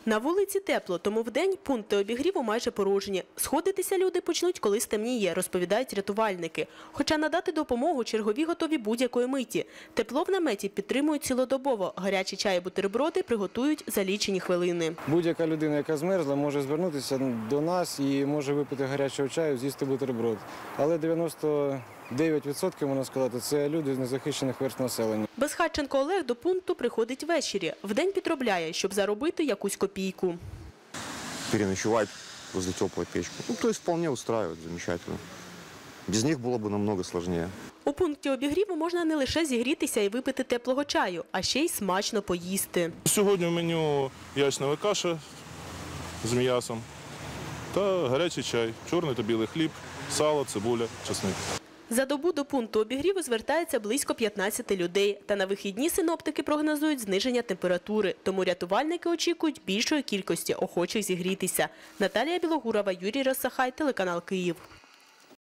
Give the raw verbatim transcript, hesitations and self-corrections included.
На вулиці тепло, тому вдень пункти обігріву майже порожні. Сходитися люди почнуть, коли стемніє, розповідають рятувальники. Хоча надати допомогу чергові готові будь-якої миті. Тепло в наметі підтримують цілодобово. Гарячі чай і бутерброди приготують за лічені хвилини. Будь-яка людина, яка змерзла, може звернутися до нас і може випити гарячого чаю, з'їсти бутерброд. Але дев'яносто дев'ять відсотків, можна сказати, це люди з незахищених верств населення. Безхатченко Олег до пункту приходить ввечері. Вдень підробляє, щоб заробити якусь копійку. Переночевать возле теплой печки. Ну, то есть вполне устраивает, замечательно. Без них было бы намного сложнее. У пункті обігріву можна не лише зігрітися і випити теплого чаю, а ще й смачно поїсти. Сьогодні в меню ячнева каша з м'ясом та гарячий чай, чорний та білий хліб, сало, цибуля, чесник. За добу до пункту обігріву звертається близько п'ятнадцяти людей. Та на вихідні синоптики прогнозують зниження температури. Тому рятувальники очікують більшої кількості охочих зігрітися. Наталія Білогурова, Юрій Росахай, телеканал Київ.